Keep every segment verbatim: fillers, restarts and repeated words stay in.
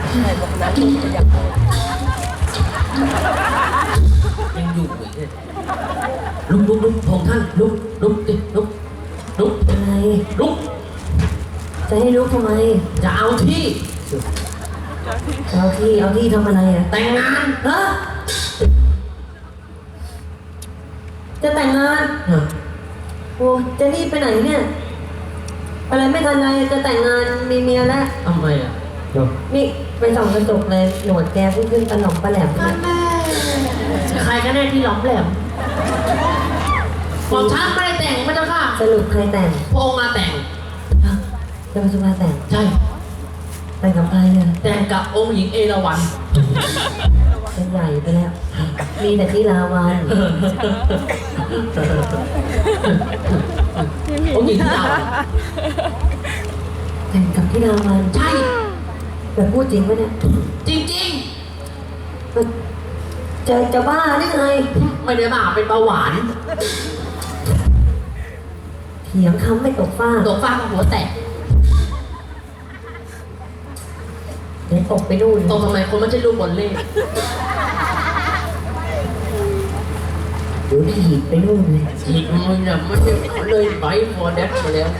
ยังอยู่อีกเนี่ยลุกลุกลุกพงท่านลุกลุกดิลุกลุกอะไรลุกจะให้ลุกทำไมจะเอาที่เอาที่เอาที่ทำอะไรอ่ะแต่งงานฮะจะแต่งงานฮะโอ้จะรีบไปไหนเนี่ยอะไรไม่ทันไรจะแต่งงานมีเมียแล้วทำไมอ่ะนี่ไปส่องกระจกเลยหนวดแกเพิ่งขึ้นตะหน่อมปลาแหลมเลยใครกันแน่ที่หลอมแหลมผมฉันไม่ได้แต่งพระเจ้าค่ะสรุปใครแต่งพงมาแต่งฮะจะมาสุภาแต่งใช่แต่งกับใครเนี่ยแต่งกับองค์หญิงเอราวัณเป็นใหญ่ไปแล้ว มีแต่ที่ลาวันองค์หญิงที่เราแต่งกับที่ลาวันใช่แต่พูดจริงปะเนี่ยจริงจะจะบ้าได้ไงๆ ไม่ได้มาเป็นเบาหวานเถียงคำไม่ตกฟ้าตัวฟ้ากับหัวแตกเดี๋ยวตกไปนู่นตรงทำไมคนไม่ใช่ลูกบอลเล่เดี๋ยวถีบไปนู่นเลยอีกมึงเนี่ยมันจะเลยไบฟอร์เดสมาแล้ว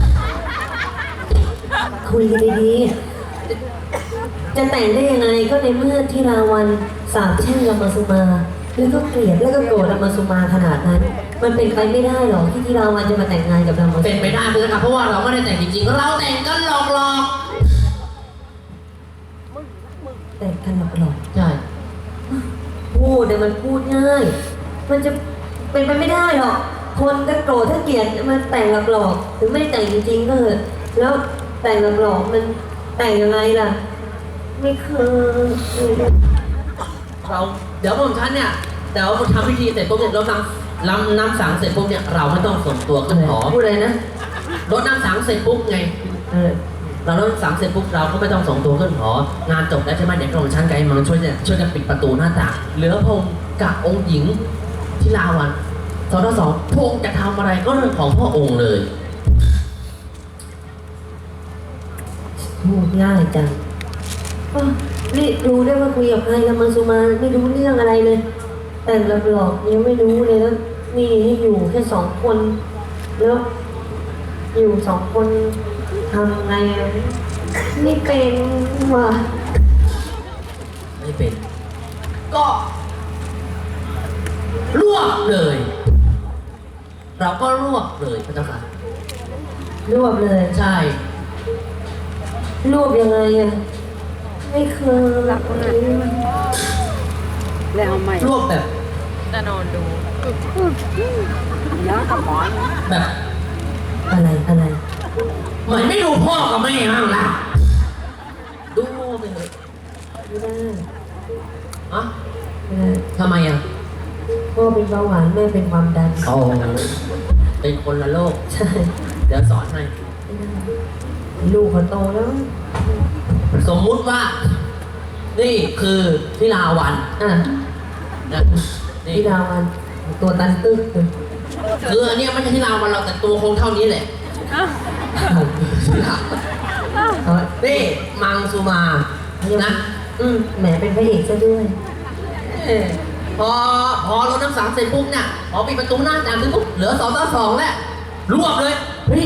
คุยกันดีๆ จะแต่งได้ยังไงก็ในเมื่อที่ราวันสาบแช่งรามาสุมาแล้วก็เกลียดแล้วก็โกรธรามาสุมาขนาดนั้น มันเป็นไปไม่ได้หรอกที่ที่ราวันจะมาแต่งงานกับรามาสุมาเป็นไปได้เลยครับเพราะว่าเราไม่ได้แต่งจริงๆเราแต่งกันหลอกหลอกแต่งกันหลอกใช่ๆพูดแต่มันพูดง่าย มันจะเป็นไปไม่ได้หรอก คนถ้าโกรธถ้าเกลียดมันแต่งหลอกๆถึงไม่แต่งจริงๆก็เถอะแล้วแต่งหลอกๆมันแต่งยังไงล่ะ ไม่เคยเราเดี๋ยวผมฉันเนี่ยเดี๋ยวทำพิธีเสร็จปุ๊บเนี่ยเรานำนำน้ำสังเสร็จปุ๊บเนี่ยเราไม่ต้องส่งตัวขึ้นหอพูดอะไรนะรดน้ำสังเสร็จปุ๊บไงเออเรารดน้ำสังเสร็จปุ๊บเราก็ไม่ต้องส่งตัวขึ้นหองานจบแล้วใช่ไหมเดี๋ยวกรมชั้นไกด์มันช่วยเนี่ยช่วยกันปิดประตูหน้าต่างเหลือพงกับองค์หญิงที่ลาวันสองต่อสองพงจะทำอะไรก็เรื่องของพ่อองค์เลยพูดง่ายจังอ้าวนี่รู้ได้ว่าคุยกับใครละมังสุมาไม่รู้เรื่องอะไรเลย แต่งหลอกๆยังไม่รู้เลยแล้วนี่ให้อยู่แค่สองคน แล้วอยู่สองคนทำไงอะนี่เป็นว่ะไม่เป็น ก็รวบเลย เราก็รวบเลยพระเจ้าค่ะรวบเลยใช่รวบยังไงอะไม่เคยหลับเลยแล้วเอาใหม่รวบแบบจะนอนดูย้อนกับหมอนแบบอะไรอะไรเหมือนไม่ดูพ่อกับแม่บ้างล่ะดูไปเลยไม่ได้อะไม่ได้ทำไมอ่ะพ่อเป็นเบาหวานแม่เป็นความดันโอ้เป็นคนละโลกใช่เดี๋ยวสอนให้ไม่ได้ลูกเขาโตแล้วสมมุติว่า นี่คือที่ลาวันอ่ะนะนี่พี่ดาวันตัวตันตึ๊กเลยคืออันเนี้ยไม่ใช่ที่ลาวันเราแต่ตัวคงเท่านี้แหละนี่มังสุมานะอืมแหมเป็นพระเอกซะด้วยเอ้ยพอพอรถน้ำสังเสร็จปุ๊บเนี่ยพอปิดประตูหน้าต่างเสร็จปุ๊บเหลือสองต่อสองแล้วรวบเลยเฮ้ย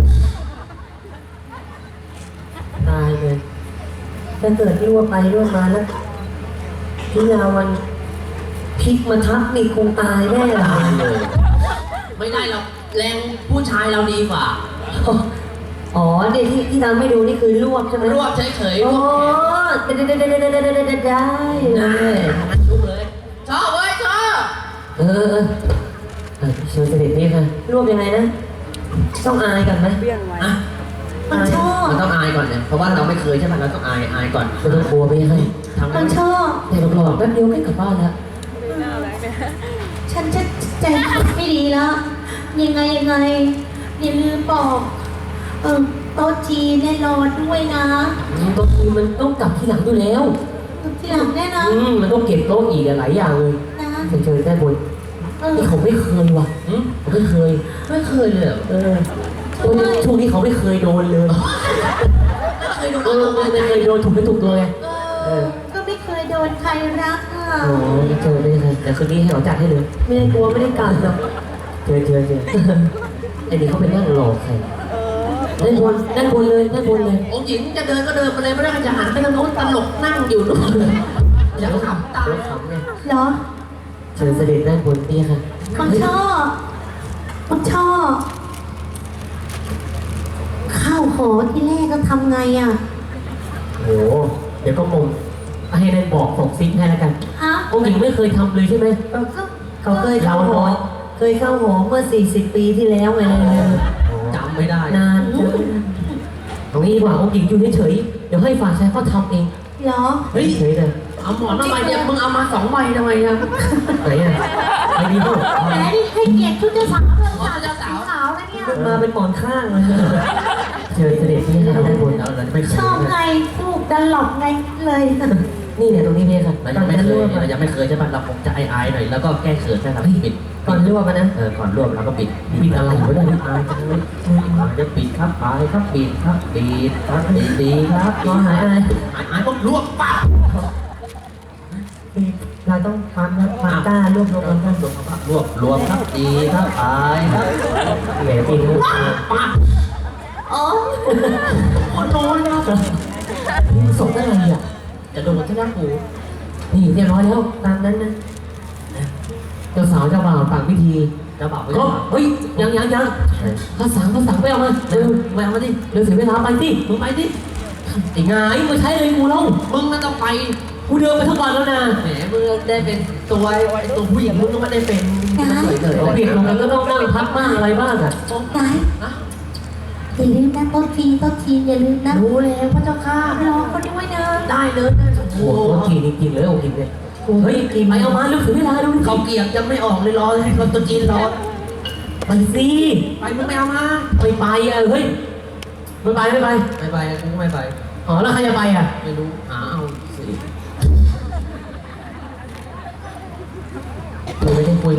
ตายเลยถ้าเกิดรั่วไปรั่วมาแล้วพี่ดาวันพลิกมาทับนี่คงตายแน่เลตายยเลยไม่ได้หรอกแรงผู้ชายเราดีกว่าอ๋อเดี๋ยวที่ที่ทำให้ดูนี่คือลวกใช่ไหมรวบเฉยๆรอ๋วอบ ได้ได้ได้ได้ได้ได้ได้ได้ได้เลยลุกเลยชอบเว้ยชอบเออเออเชิญเสด็จนี่ค่ะรวบยังไงนะต้องอายก่อนไหมเบี้ยงไว้อ่ะมันชอบมันต้องอายก่อนเนี่ยเพราะว่าเราไม่เคยใช่ไหมเราต้องอายอายก่อนไม่ต้องกลัวไปให้ทำมันชอบแต่หลอกๆแป๊บเดียวก็กลับบ้านแล้วหน้าอะไรเนี่ยฉันจะใจไม่ดีแล้ว ยังไงยังไงอย่าลืมบอกเออโต๊ะจีนเนี่ยรอด้วยนะบางทีมันต้องกลับที่หลังอยู่แล้วทีหลังแน่นะอืมมันต้องเก็บโต๊ะอีกหลายอย่างเลยนะเฉยเฉยๆได้บนเออนี่เขาไม่เคยว่ะหืมเขาไม่เคยไม่เคยเลยเหรอเออช่วงนี้ช่วงนี้เขาไม่เคยโดนเลยเคยดูเออไม่เคยโดนถูกไม่ถูกตัวไงเอออก็ไม่เคยโดนใครรักอ่ะโอ้ยเจอไม่ได้แต่คืนนี้ให้เขาจัดให้เลยไม่ได้กลัวไม่ได้กัดหรอกเจอเจอเจอไอ้นี่เขาไปนั่งรอใครนั่นบนนั่นบนเลยนั่นบนเลยองค์หญิงจะเดินก็เดินไปเลยไม่ได้จะหันไปทางโน้นตลกนั่งอยู่นู่นอย่าขำตายรถขำไงเหรอเชิญเสด็จด้านบนนี่ค่ะมันชอบมันชอบข้าวหอที่แรกก็ทำไงอ่ะโอ้เดี๋ยวก็มงให้นั่นบอกส่งซิกให้แล้วกันฮะองค์หญิงไม่เคยทำเลยใช่ไหมก็เขาเคยเข้าหอเคยเข้าหอเมื่อสี่สิบปีที่แล้วไงจำไม่ได้นานตรงนี้ดีกว่าองค์หญิงอยู่เฉยๆเดี๋ยวให้ฝ่ายชายเขาทำเองเหรอเฮ้ยเฉยเลยเอาหมอนมาใบเดียวมึงเอามาสองใบทำไมครับไหนอ่ะไม่ดีพ่อแหมนี่ให้เกียรติชุดเจ้าสาวเลยสาวเจ้าสาวสาวนะเนี่ยมาเป็นหมอนข้างเลยเชิญเสด็จที่ด้านบนเราเราจะไม่เคชยอบไงลูกดันหลอกไงเลยนี่เนี่ยตรงนี้เนี่ยค่ะเรายังไม่เคยเรายังไม่เคยใช่ไหมเราคงจะอายๆหน่อยแล้วก็แก้เขินนะครับปิดก่อนรวบนะเออก่อนรวบเราก็ปิดปิดอะไรไม่ได้อายจังเลยจะปิดครับอายครับปิดครับปิดครับดีดีครับรอหายอะไรอายอายก็รวบปั๊บเราต้องฟังนะฟังกล้ารวบรวมกันรวบรวบรวมครับดีครับอายครับแหมปีนปั๊บอ๋อคนโน้นนะส่งได้ไงอ่ะจะโดนที่หน้าหูนี่เรียบร้อยแล้วตามนั้นนะเจ้าสาวเจ้าบ่าวต่างพิธีจะบอกก็ว่าเฮ้ยยังยังยังภาษาภาษาไปเอามาเร็วไปเอามาดิเร็วเสียเวลาไปสิมึงไปดิไอ้งายมาใช้เลยกูเล่ามึงน่าต้องไปกูเดินไปทั้งวันแล้วนะแหมมึงได้เป็นตัวตัวผู้หญิงมึงก็ไม่ได้เป็นสวยเลยเปลี่ยนลงกันก็ต้องนั่งพักบ้างอะไรบ้างอ่ะไหนอย่าลืมนะโต๊ะจีนโต๊ะจีนอย่าลืมนะรู้แล้วพระเจ้าข้ารอเขาด้วยนะได้เลยได้โอ้โหโอ้โหกินจริงๆเลยโอ้กินเลยเฮ้ยกินไปเอามาเร็วเสียเวลาดูเขาเกียบยังไม่ออกเลยรอให้คนตัวจีนรอไปสิไปมึงไม่เอามาไปไปอ่ะเฮ้ยไม่ไปไม่ไปไม่ไปกูไม่ไปอ๋อแล้วใครจะไปอ่ะไม่รู้หาเอาสิกูไม่ได้คุย